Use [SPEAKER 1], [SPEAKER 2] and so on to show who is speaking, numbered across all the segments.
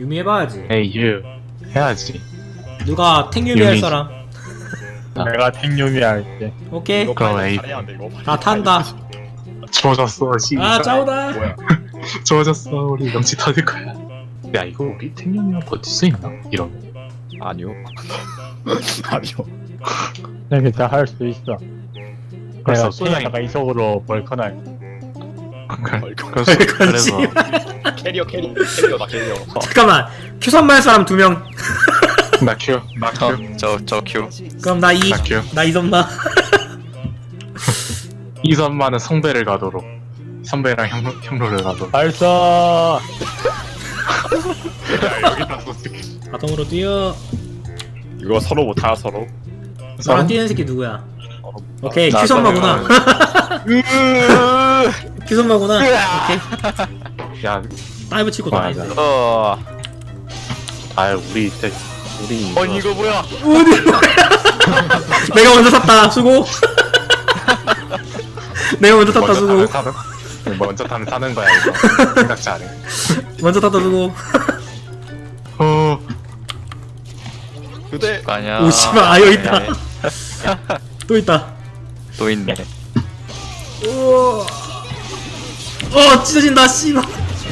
[SPEAKER 1] 유미 해봐야지.
[SPEAKER 2] 에이 유 해야지.
[SPEAKER 1] 누가 탱유미 할
[SPEAKER 2] 유미.
[SPEAKER 1] 사람?
[SPEAKER 3] 내가 탱유미 할게.
[SPEAKER 1] 오케이.
[SPEAKER 4] 이거
[SPEAKER 2] 그럼
[SPEAKER 4] 빨리
[SPEAKER 2] 에이.
[SPEAKER 4] 잘해야 돼, 이거.
[SPEAKER 1] 다 탄다.
[SPEAKER 2] 좋아졌어 씨.
[SPEAKER 1] 아 짜오다.
[SPEAKER 4] 뭐야?
[SPEAKER 2] 좋아졌어 우리 명치 터질 거야. 야 이거 우리 탱룡이랑 버틸 수 있나? 이런.
[SPEAKER 4] 아니요. 아니요.
[SPEAKER 3] 네, 괜찮아 할 수 있어.
[SPEAKER 2] 그래서
[SPEAKER 3] 내가
[SPEAKER 2] 소장이
[SPEAKER 3] 탱에다가 이속으로 벌컨 할게.
[SPEAKER 2] 그래서
[SPEAKER 4] 캐리어 나 캐리어.
[SPEAKER 1] 잠깐만. 큐선만 할 사람 2명.
[SPEAKER 2] 나 큐.
[SPEAKER 5] 저 큐.
[SPEAKER 1] 그럼 나 이.
[SPEAKER 2] 나 큐.
[SPEAKER 1] 나 이선마.
[SPEAKER 2] 이선만은 성배를 가도록. 선배랑 형로를 가도록.
[SPEAKER 3] 발사.
[SPEAKER 2] 야 여기다 쏘지.
[SPEAKER 1] 자동으로 뛰어.
[SPEAKER 4] 이거 서로 못하 서로.
[SPEAKER 1] 나랑 뛰는 새끼 누구야? 오케이
[SPEAKER 2] 나
[SPEAKER 1] 큐선마구나. 큐선마구나. 오케이.
[SPEAKER 2] 야,
[SPEAKER 1] 다이브 치고
[SPEAKER 2] 맞아.
[SPEAKER 1] 나이스.
[SPEAKER 2] 아 우리 때 우리
[SPEAKER 5] 아니 이거 뭐야?
[SPEAKER 1] 내가 먼저 탔다. 수고. 내가 먼저 탔다. 수고.
[SPEAKER 2] 먼저 타면 사는 거야 이거. 생각 잘해.
[SPEAKER 1] 먼저 탔다. 수고.
[SPEAKER 4] 그대.
[SPEAKER 5] 아니야.
[SPEAKER 1] 오 씨발 아 여기 있다. 또 있다.
[SPEAKER 5] 또 있네.
[SPEAKER 1] 우와. 찢어진다 씨발.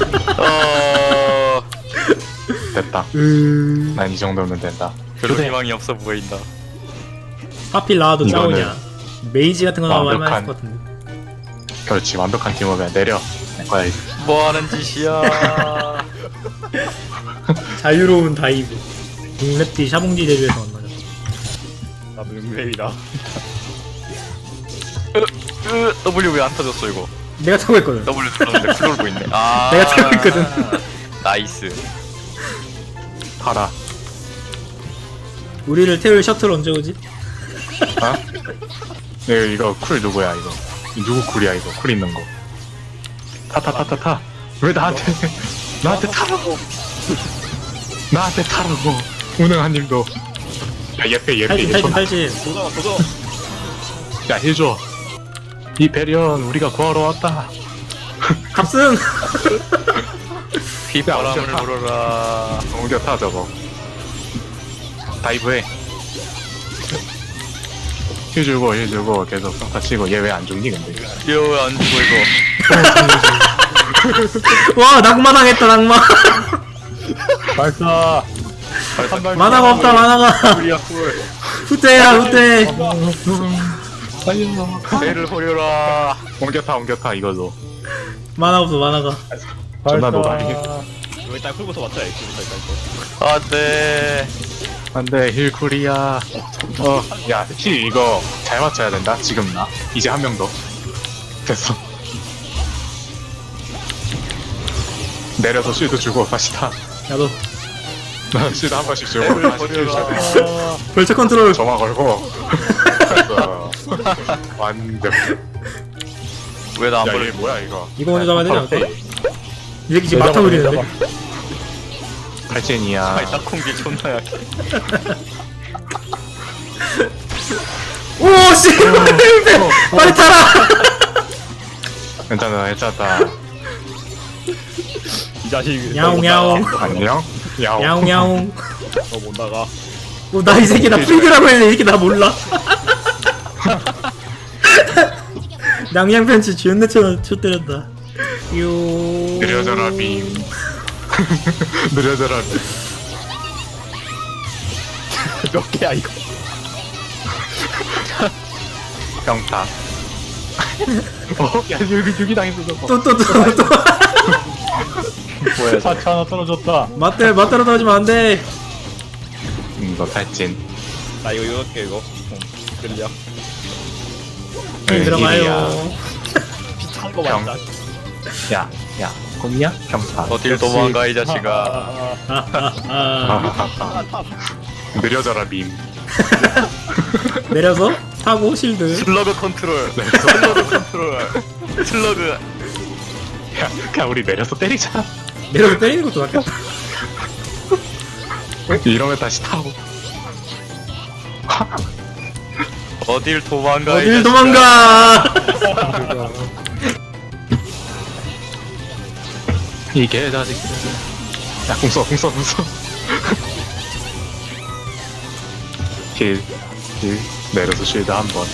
[SPEAKER 2] 됐다. 난 이 정도면 된다.
[SPEAKER 5] 별로 희망이 없어 보인다.
[SPEAKER 1] 하필 나와도
[SPEAKER 2] 이거는
[SPEAKER 1] 짜오냐. 메이지 같은 거 나오면
[SPEAKER 2] 완벽한-
[SPEAKER 1] 할만할 것 같은데.
[SPEAKER 2] 그렇지 완벽한 팀워크야. 내려. 내 거야 이거.
[SPEAKER 5] 뭐 하는 짓이야?
[SPEAKER 1] 자유로운 다이브. 랩디 샤봉지 데뷔해서 만나자.
[SPEAKER 4] 나도 용맹이다.
[SPEAKER 5] W 왜 안 터졌어 이거?
[SPEAKER 1] 내가 타고 있거든.
[SPEAKER 5] W 눌렀는데 쿨 돌고 있네. 아.
[SPEAKER 1] 내가 타고 있거든.
[SPEAKER 5] 나이스.
[SPEAKER 2] 타라.
[SPEAKER 1] 우리를 태울 셔틀 언제 오지?
[SPEAKER 2] 어? 이거 쿨 누구야 이거? 누구 쿨이야 이거? 쿨 있는 거. 타. 왜 나한테 타라고? 나한테 타라고. 운영한님도. 야 예패.
[SPEAKER 1] 탈진.
[SPEAKER 4] 도전.
[SPEAKER 2] 야 해줘. 이 배련 우리가 구하러 왔다.
[SPEAKER 1] 갑승.
[SPEAKER 5] 휘바람을
[SPEAKER 2] 야,
[SPEAKER 5] 불어라.
[SPEAKER 2] 옮겨 타 저거. 다이브해. 힐 주고 계속 평타 치고. 얘 왜 안 죽니 근데?
[SPEAKER 5] 이거 안 죽어 이거.
[SPEAKER 1] 와 낙마당했다 낙마.
[SPEAKER 3] 발사.
[SPEAKER 1] 만화가 없다 만화가.
[SPEAKER 4] 쿨이야 쿨.
[SPEAKER 1] 후퇴야 후퇴.
[SPEAKER 5] 배를 호려라.
[SPEAKER 2] 옮겨 타 이거도.
[SPEAKER 1] 만화 없어 만화가.
[SPEAKER 2] 존나 노다리.
[SPEAKER 4] 이거 일단 풀고서 맞춰야 돼. 일단 이거.
[SPEAKER 5] 안돼.
[SPEAKER 2] 안돼 힐쿨이야. 야힐 이거 잘 맞춰야 된다. 지금 나 이제 한 명 더. 됐어. 내려서 쉴드 주고 다시 타.
[SPEAKER 1] 야너
[SPEAKER 2] 나 쉴드 한 번씩 주고
[SPEAKER 5] 배를
[SPEAKER 2] 다시 쉴드 주고.
[SPEAKER 5] 호려라.
[SPEAKER 1] 벌처 컨트롤.
[SPEAKER 2] 점화 걸고. 됐어. 완벽.
[SPEAKER 5] 왜 나 안
[SPEAKER 2] 야얘
[SPEAKER 5] 버려?
[SPEAKER 2] 뭐야 이거?
[SPEAKER 1] 이거 먼저 잡아야 되지 않을까?
[SPEAKER 2] 바로
[SPEAKER 1] 이 새끼 지금 막타 부리는데.
[SPEAKER 2] 팔젠이야.
[SPEAKER 5] 아니 딱콩기 존나 약해.
[SPEAKER 1] 오 씨. 빨리 타라.
[SPEAKER 2] 괜찮아.
[SPEAKER 4] 이 자식.
[SPEAKER 1] 야옹야옹.
[SPEAKER 2] 안녕. 야옹.
[SPEAKER 1] 야옹야옹.
[SPEAKER 4] 너못 나가.
[SPEAKER 1] 나 이 새끼 나 프리그라고 했는데 이 새끼 나 몰라. 양양 팬츠 존나 쳐 때렸다. 요.
[SPEAKER 2] 느려져라 빔. 느려져라 빔.
[SPEAKER 4] 몇 개야 이거?
[SPEAKER 2] 평타. 야 여기 당했어 저거.
[SPEAKER 1] 또.
[SPEAKER 5] 뭐야?
[SPEAKER 3] 사치 하나 떨어졌다.
[SPEAKER 1] 맞대로 떨어지면 안 돼.
[SPEAKER 2] 너 탈진.
[SPEAKER 4] 나 이거 이렇게 이거. 끌려.
[SPEAKER 1] 들어가요.
[SPEAKER 4] 비슷한 거
[SPEAKER 2] 형.
[SPEAKER 4] 맞다.
[SPEAKER 2] 야 꼼이야? 평타.
[SPEAKER 5] 어딜 도망가 이 자식아.
[SPEAKER 2] 느려져라 빔.
[SPEAKER 1] 내려서 타고 실드.
[SPEAKER 5] 슬러그 컨트롤.
[SPEAKER 2] 네.
[SPEAKER 5] 슬러그 컨트롤. 슬러그.
[SPEAKER 2] 야 그냥 우리 내려서 때리자.
[SPEAKER 1] 내려서 때리는 것도 낫겠다.
[SPEAKER 2] 이러면 다시 타고.
[SPEAKER 5] 어딜 도망가? 이
[SPEAKER 1] 어딜
[SPEAKER 5] 자식아.
[SPEAKER 1] 도망가.
[SPEAKER 2] 이게 자식. 야, 궁써. 힐. 내려서 쉴드 한 번.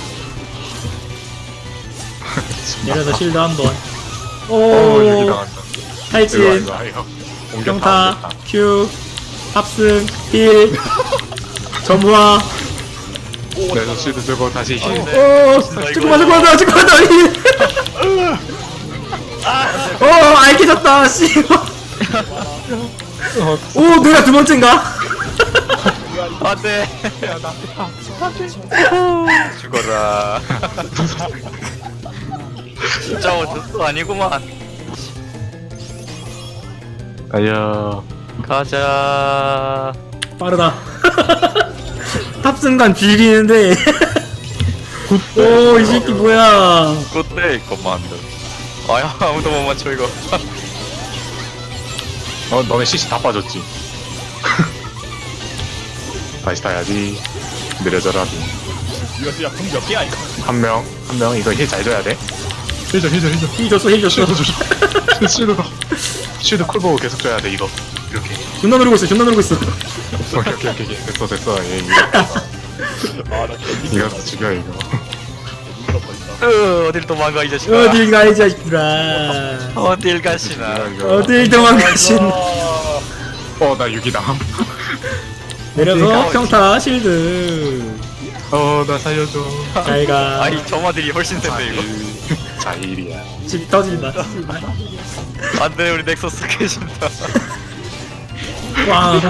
[SPEAKER 1] 내려서 실드 한번.
[SPEAKER 2] 여기
[SPEAKER 1] 오,
[SPEAKER 2] 나간다.
[SPEAKER 1] 탈진,
[SPEAKER 2] 이거.
[SPEAKER 1] 평타, 큐, 탑승, 힐, 점화.
[SPEAKER 2] 내려서 쉴드 들고 다시 힐.
[SPEAKER 1] 오, 잠깐만, 힐. 알겠었다, 씨. 오, 내가 두 번째인가?
[SPEAKER 5] 안돼. 죽어라. 진짜 어쩔 아니구만.
[SPEAKER 2] 아야.
[SPEAKER 5] 가자.
[SPEAKER 1] 빠르다. 탑승간 비리는데. 오, 이 새끼 뭐야?
[SPEAKER 5] 굿데이 커만드. 아야 아무도 못 맞춰 이거.
[SPEAKER 2] 너네 CC 다 빠졌지. 다시 타야지. 느려져라.
[SPEAKER 4] 이거 진짜 궁몇 개야 이거.
[SPEAKER 2] 한 명 이거 힐 잘 줘야 돼. 힐 줘.
[SPEAKER 1] 힐 줬어.
[SPEAKER 2] 쉴드 쿨 보고 계속 줘야 돼 이거. 이렇게.
[SPEAKER 1] 존나 누르고 있어.
[SPEAKER 2] 오케이. 됐어. 얘 이거.
[SPEAKER 4] 아나 개미.
[SPEAKER 2] 이거 죽여 이거.
[SPEAKER 5] 어딜 도망가 이 자식아.
[SPEAKER 1] 어딜 가, 이 자식들아.
[SPEAKER 5] 어딜 가시나.
[SPEAKER 1] 어딜 도망가신.
[SPEAKER 2] 나 6위 당함.
[SPEAKER 1] 내려서 평타, 실드.
[SPEAKER 2] 나 살려줘.
[SPEAKER 1] 잘 가.
[SPEAKER 5] 아이 점화들이 훨씬 센데 이거.
[SPEAKER 2] 자일이야.
[SPEAKER 1] 집 터진다.
[SPEAKER 5] 안돼 우리 넥서스 깨진다.
[SPEAKER 1] 와.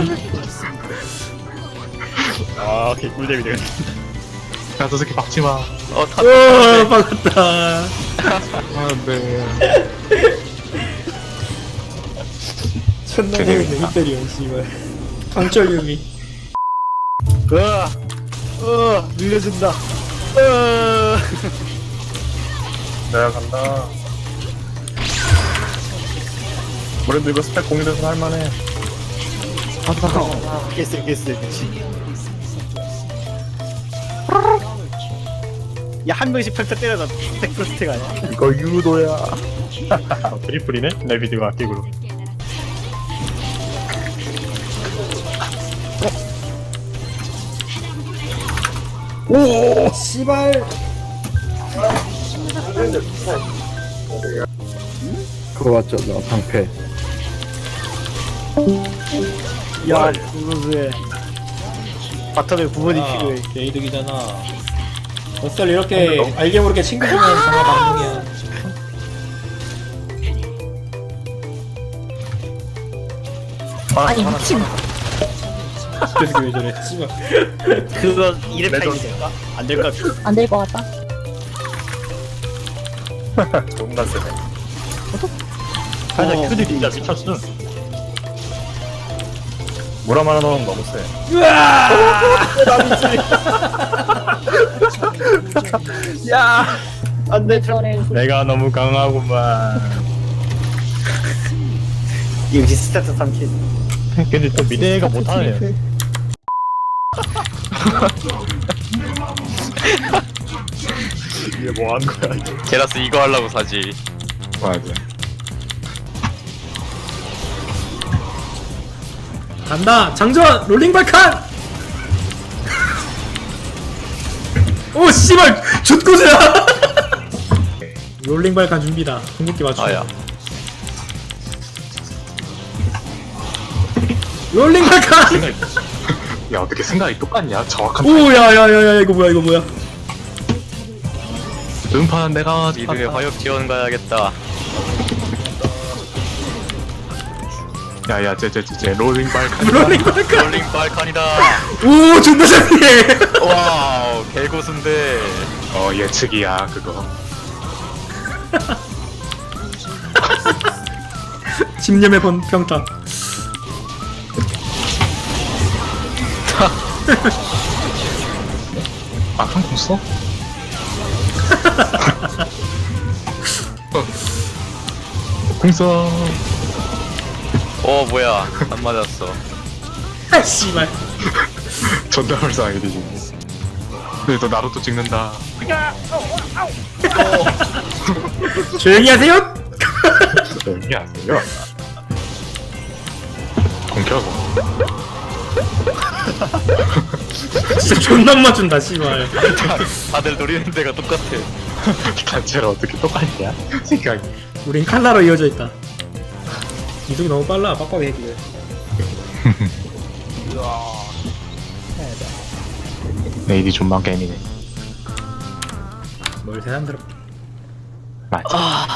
[SPEAKER 4] 아 개꿀잼이 되네.
[SPEAKER 2] 야, 저 새끼 박지 마.
[SPEAKER 5] 다.
[SPEAKER 1] 오, 박았다.
[SPEAKER 2] 네.
[SPEAKER 1] 존나 재밌네, 히페리온, 씨발. 강철 유미.
[SPEAKER 4] 밀려준다.
[SPEAKER 3] 내가 간다. 그래도 이거 스펙 공유돼서 할만해.
[SPEAKER 4] 깼어. 야한 명씩 펼쳐 때려다 스택 플스택 아니야?
[SPEAKER 3] 이거 유도야. 트리플이네? 레비드가 아끼고.
[SPEAKER 1] 오, 씨발.
[SPEAKER 6] 그거 맞잖아, 방패.
[SPEAKER 4] 야 그거에 바텀에 부모님 필요해.
[SPEAKER 1] 게이득이잖아. 어쩔 이렇게 알게 모르게 친구 중에 전화 반응이야.
[SPEAKER 7] 아니 미친.
[SPEAKER 1] 그래서 왜 저래? 씨발.
[SPEAKER 4] 그거 2렙 타임이 될까? 안 될 것 같아.
[SPEAKER 7] 안 될 것 같다.
[SPEAKER 3] 존나 세네. 살짝 큐디 진짜 미쳤어. 무람 하나 넣으면 너무 세.
[SPEAKER 4] 안돼.
[SPEAKER 3] 내가 너무 강하구만.
[SPEAKER 4] 이 역시 스타트 3킬.
[SPEAKER 3] 근데 또 미대가 못하네. 이게 뭐 하는 거야? 이게.
[SPEAKER 5] 게라스 이거 하려고 사지.
[SPEAKER 2] 맞아.
[SPEAKER 1] 간다. 장전 롤링 발칸. 오, 씨발. jut고수야. 롤링 발칸 준비다. 궁극기 맞춰.
[SPEAKER 5] 아야.
[SPEAKER 1] 롤링 발칸.
[SPEAKER 2] 야, 어떻게 생각이 똑같냐? 정확한
[SPEAKER 1] 오, 야야야야, 이거 뭐야?
[SPEAKER 2] 음파는 내가
[SPEAKER 5] 니들의 화역 지원 가야겠다.
[SPEAKER 2] 야야 쟤 롤링 발칸.
[SPEAKER 1] 롤링 발칸.
[SPEAKER 5] 롤링 발칸이다.
[SPEAKER 1] 오, 존나 잘해.
[SPEAKER 5] 와우 개고수인데.
[SPEAKER 2] 예측이야 그거.
[SPEAKER 1] 집념의 평타.
[SPEAKER 2] 한공 써? 공써.
[SPEAKER 5] 뭐야 안 맞았어.
[SPEAKER 1] 아, 씨발.
[SPEAKER 2] 존나 불쌍하게 근데 너 나루토 찍는다.
[SPEAKER 1] 조용히 하세요.
[SPEAKER 2] 조용히 하세요. 동켜고.
[SPEAKER 1] 진짜 존나 안 맞춘다 씨발.
[SPEAKER 5] 다들 노리는 데가 똑같아.
[SPEAKER 2] 단체로 어떻게 똑같냐? 생각이.
[SPEAKER 1] 우린 칼라로 이어져 있다. 이속이 너무 빨라. 빡빡이 해기를.
[SPEAKER 2] AD 존만 게임이네.
[SPEAKER 1] 뭘 세상들어.
[SPEAKER 2] 맞아.